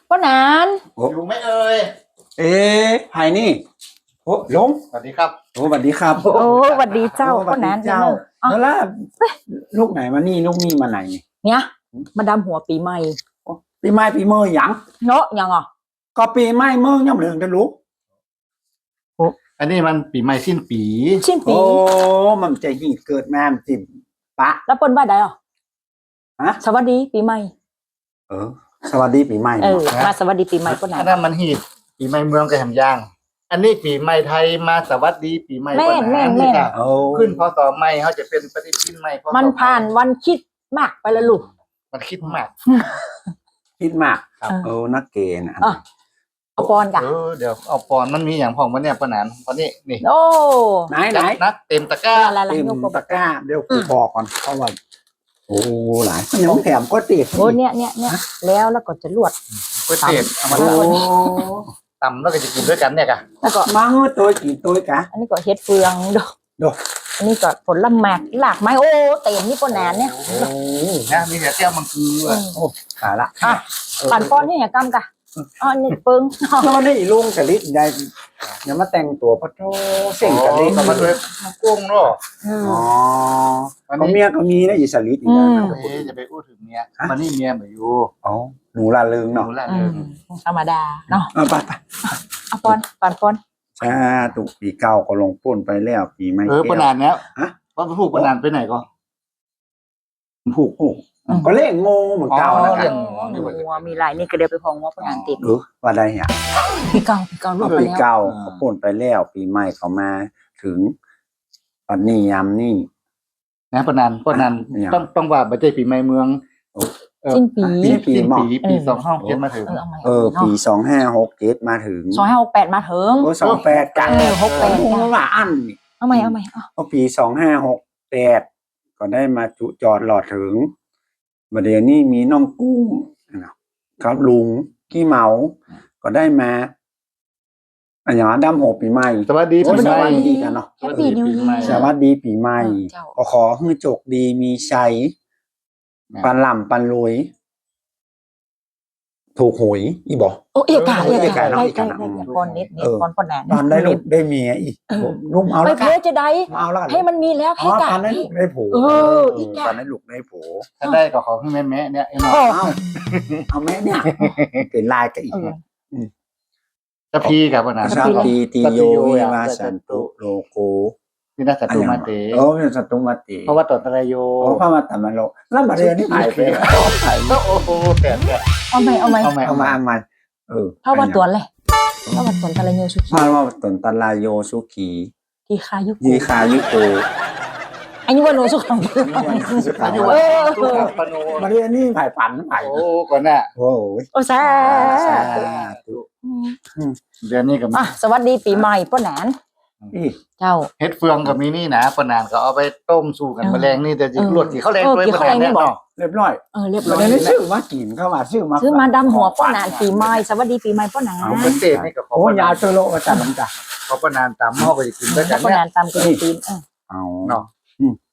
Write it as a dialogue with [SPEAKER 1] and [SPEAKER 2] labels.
[SPEAKER 1] ป้านาน
[SPEAKER 2] อยู่ไหมเอ่ย
[SPEAKER 3] เอ๊ะไผ่นี่โอ้ลง
[SPEAKER 2] สวัสดีครับ
[SPEAKER 3] โอ้สวัสดีครับ
[SPEAKER 1] โอ้สวัสดีเจ้า
[SPEAKER 3] โอ้สวั
[SPEAKER 1] ป้า
[SPEAKER 3] ส
[SPEAKER 1] นาน
[SPEAKER 3] ดีเจ้า
[SPEAKER 1] อ๋อ
[SPEAKER 3] แล้วล่ะลูกไหนมานี่ลูกนี่มาไหนนี่
[SPEAKER 1] เนี่ยมาดำหัวปีใหม่
[SPEAKER 3] โอ้ปีใหม่ปีเมื่อหยัง
[SPEAKER 1] เนาะยังอ่ะ
[SPEAKER 3] ก็ปีใหม่เมื่อยังเหลืองกันลูก
[SPEAKER 2] อันนี้มันปีใหม่สิ้นปี
[SPEAKER 1] ชิ้นปี
[SPEAKER 3] โอ้มันจะหีเกิดมามันจิบปะ
[SPEAKER 1] แล้วเปิ้นว่าใดอ่ะ
[SPEAKER 3] ฮะ
[SPEAKER 1] สวัสดีปีใหม่
[SPEAKER 3] เออ สวัสดีปีใหม่
[SPEAKER 1] เออ
[SPEAKER 3] เนาะ
[SPEAKER 1] มาสวัสดีปีใหม่ป้านาน
[SPEAKER 2] อันนั้นมันหีดปีใหม่เมืองกับแหมย่าง อันนี้ปีใหม่ไทยมาสวัสดีปีใหม่
[SPEAKER 1] แม่น
[SPEAKER 2] ปะ
[SPEAKER 1] แม่น
[SPEAKER 2] นี่
[SPEAKER 1] แม่น
[SPEAKER 2] ค่ะ
[SPEAKER 3] โอ้
[SPEAKER 2] ขึ้นพศใหม่เขาจะเป็นปฏิทินใหม่พศ
[SPEAKER 1] มันผ่านวันคิดมากไปแล้วลูก
[SPEAKER 2] มันคิดมาก
[SPEAKER 3] คิดมาก
[SPEAKER 2] ครับ
[SPEAKER 3] โอ้นักเกณฑ์อ่ะ
[SPEAKER 1] อ่ะ เอาปอนกะ
[SPEAKER 2] เดี๋ยวเอาปอนมันมีอย่างพองมันเนี่ยปะหนานตอนนี้นี่
[SPEAKER 1] โอ้
[SPEAKER 3] ไหนไหน
[SPEAKER 2] นักเต็มตะกร้า
[SPEAKER 1] อะไร
[SPEAKER 3] เต็ม
[SPEAKER 1] ยก
[SPEAKER 3] ตะกร้าเดี๋ยวกูบอกก่อนเพราะว่าโอ้หลายมันยังแถมก็ติด
[SPEAKER 1] โอ้เนี่ยแล้วก็จะลวด
[SPEAKER 2] ก๋วยเตี๋ยวเอามา
[SPEAKER 3] โอ้
[SPEAKER 2] ตำแล้วก็จะกินด้วยกันเนี่ยค่ะ
[SPEAKER 1] แล้วก็
[SPEAKER 3] มาเฮ้ยตัวกี่ตัวกะ
[SPEAKER 1] อันนี้ก็เฮ็ดเฟืองดอก
[SPEAKER 3] ดอก
[SPEAKER 1] อันนี้ก็ผลหมากหลากไม้โอ้เต็มนี่ป้านานเนี่ย
[SPEAKER 3] โอ้
[SPEAKER 2] นะมีแต่เตี้ยวมังคือ
[SPEAKER 1] อืม
[SPEAKER 3] ตายละ
[SPEAKER 1] อ่ะปั่นปอนนี่อย่ากำกะอ๋อนี่ปึ้ง
[SPEAKER 3] แล้วมันได้ลุงกะลิดได้ยังมาแต่งตัวพระโทเสิ่งกะลิด
[SPEAKER 2] ก็มาด้วยมะกุ้งเนาะ
[SPEAKER 1] อืม
[SPEAKER 3] อ๋อ
[SPEAKER 2] วัน
[SPEAKER 3] ก็
[SPEAKER 2] นี้
[SPEAKER 3] เมียก็มีนะอีสลิดอีก
[SPEAKER 1] อื
[SPEAKER 3] นะ
[SPEAKER 1] ม
[SPEAKER 2] จะไปพูดถึงเมียมันนี่เมียเหมือนอยู่
[SPEAKER 3] อ๋อหนูละเริง
[SPEAKER 2] หนู
[SPEAKER 3] เนาะ
[SPEAKER 2] ละ
[SPEAKER 1] อื
[SPEAKER 2] เริ
[SPEAKER 1] ม
[SPEAKER 2] ง
[SPEAKER 1] ธรรมดาเนาะ
[SPEAKER 3] เอาไปไป
[SPEAKER 1] เอาปอนปั่นปอน
[SPEAKER 3] ชาตุปีเก่าก็ลงป้นไปแล้วปีใหม่
[SPEAKER 2] ปนานแล้ว
[SPEAKER 3] ฮะ
[SPEAKER 2] เพราะพูดปนานไปไหนก็
[SPEAKER 3] ผูกก็เล่งโง่เหมือนเก่านะ
[SPEAKER 2] อ๋อ
[SPEAKER 3] ค
[SPEAKER 2] เรื่
[SPEAKER 3] รั
[SPEAKER 2] อบ ง
[SPEAKER 1] งัวมีหลายนี่ก็เดี๋ยวไปพองงัวปานานติด
[SPEAKER 3] ว่าได้เหรอ
[SPEAKER 1] ปีเก่าลู
[SPEAKER 3] เอา
[SPEAKER 1] ก
[SPEAKER 3] ปี
[SPEAKER 1] แล้ว
[SPEAKER 3] เก่าก็ป้นไปแล้วปีใหม่เขามาถึงปันนี้ยามนี่
[SPEAKER 2] นะปนาน
[SPEAKER 3] เนี่ย
[SPEAKER 2] ต้องว่าบัจเจปีใหม่เมือง
[SPEAKER 1] สิ้นปี
[SPEAKER 3] ปีหม้อ
[SPEAKER 2] ปีสองห้องเจ็ดมาถึง
[SPEAKER 1] เอาใหม่
[SPEAKER 3] ปี2567มาถึง
[SPEAKER 1] 2568มาถึง
[SPEAKER 3] โอ้28กัน
[SPEAKER 1] 68
[SPEAKER 3] ผมว่าอันนี่
[SPEAKER 1] เอาใหม่เอา
[SPEAKER 3] พอปี2568ก็ได้มาจุจอดหลอดถึงบัดเดี๋ยวนี้มีน้องกุ้งครับลุงกี้เหมา ก็ได้มาอันอย่างดำหกปีใหม่
[SPEAKER 2] สวัสดี
[SPEAKER 3] โอ้
[SPEAKER 2] ปี
[SPEAKER 3] ส
[SPEAKER 2] ใหม่
[SPEAKER 3] วัสดีกันเนาะ
[SPEAKER 1] แฮปปี้นิว
[SPEAKER 3] สวัสดีปีใหม่
[SPEAKER 1] เจ้า
[SPEAKER 3] ก็ขอให้โจกดีมีชัยปันล่ำปันรวยถูกหวยอีบอก
[SPEAKER 1] โอ้เอกา
[SPEAKER 3] เอกาเนาะ
[SPEAKER 1] ได้
[SPEAKER 3] เอกาเนาะ
[SPEAKER 1] ปอนนิดปอนปอนแหน
[SPEAKER 3] ตอนได้ลูกได้เมียอีกลูกเอา
[SPEAKER 1] ไป
[SPEAKER 3] แล้ว
[SPEAKER 1] เพ
[SPEAKER 3] กัน
[SPEAKER 1] จะได้
[SPEAKER 3] เอาแล้วกัน
[SPEAKER 1] ให้มันมีแล้ว
[SPEAKER 3] อ๋
[SPEAKER 1] ให้
[SPEAKER 3] อ
[SPEAKER 1] กะ
[SPEAKER 3] ตอนได้ลูกได้ผู
[SPEAKER 1] อีก
[SPEAKER 3] ตอนได้ลูกได้ผู
[SPEAKER 2] ถ้าได้ก็ขอให้แม่เนี่ยไอ้หมอ
[SPEAKER 3] เอาแม่เนี่ยเป็นลายกันอีก
[SPEAKER 2] จะพีกับปนาน
[SPEAKER 3] ชาปีติโยวิวาสันตุโลโก
[SPEAKER 2] นี่น่าจะตูมาเต
[SPEAKER 3] โอ้ยสัตตุมาติ
[SPEAKER 2] เพราะว่าตอนตะไลโย
[SPEAKER 3] โอ้พระมาตมาโลแล้วมาเรียนนี่หายไปแล้วหาย
[SPEAKER 2] โอ้โหแต่
[SPEAKER 1] เอาใหม่
[SPEAKER 2] เอาใหม่
[SPEAKER 3] เอามา
[SPEAKER 1] เพราะว่าตัวเลยเพราะว่าตัวทะเลเนียวสุขี
[SPEAKER 3] พาว่าตนตลายโยสุขี
[SPEAKER 1] ที่คายุ
[SPEAKER 3] ยีคายุโก
[SPEAKER 1] อันนี้ว่าโนสุขัง
[SPEAKER 2] อายุ
[SPEAKER 1] เอ
[SPEAKER 2] วัน
[SPEAKER 1] อ
[SPEAKER 2] ทุกปโน
[SPEAKER 3] มาเรียนนี่ผ่ายฝันผ่าย
[SPEAKER 2] โอ้ก่อนน่ะ
[SPEAKER 3] โอ้ย
[SPEAKER 1] โอ้แซ่
[SPEAKER 3] สาธุ
[SPEAKER 2] เดือนนี้กับ
[SPEAKER 1] อ่ะสวัสดีปีใหม่ป้าแหนน
[SPEAKER 3] อี
[SPEAKER 1] เจ้า
[SPEAKER 2] เฮ็ดเฟืองกับมีนี่นะปนานก็เอาไปต้มสู้กันแมลงนี่แต่จิลวดกี่ข้าวแรงด้วยปนานเนี่ยเนาะ
[SPEAKER 3] เรียบร้อย
[SPEAKER 1] เรียบ
[SPEAKER 3] มา
[SPEAKER 1] ร้อย
[SPEAKER 3] เรียนนี่ชื่อมากินเข้ามาชื่อมา
[SPEAKER 1] ซื้อมาดำหัวป้าแหนนปีใหม่สวัสดีปีใหม่ป้าแหนน
[SPEAKER 2] เอาเป็นเศษนี่ก็ขอ
[SPEAKER 3] โอ้
[SPEAKER 2] ป
[SPEAKER 3] ยาน
[SPEAKER 2] าว
[SPEAKER 3] เชโลมาจัดลำจ้ะ
[SPEAKER 2] ขอปนานตามหม้อก็จะกินด้วยกัน
[SPEAKER 1] ป้า
[SPEAKER 2] เนี่
[SPEAKER 1] แหน
[SPEAKER 2] ย
[SPEAKER 1] นตามกระดูกตีน
[SPEAKER 3] เอา
[SPEAKER 2] เนาะ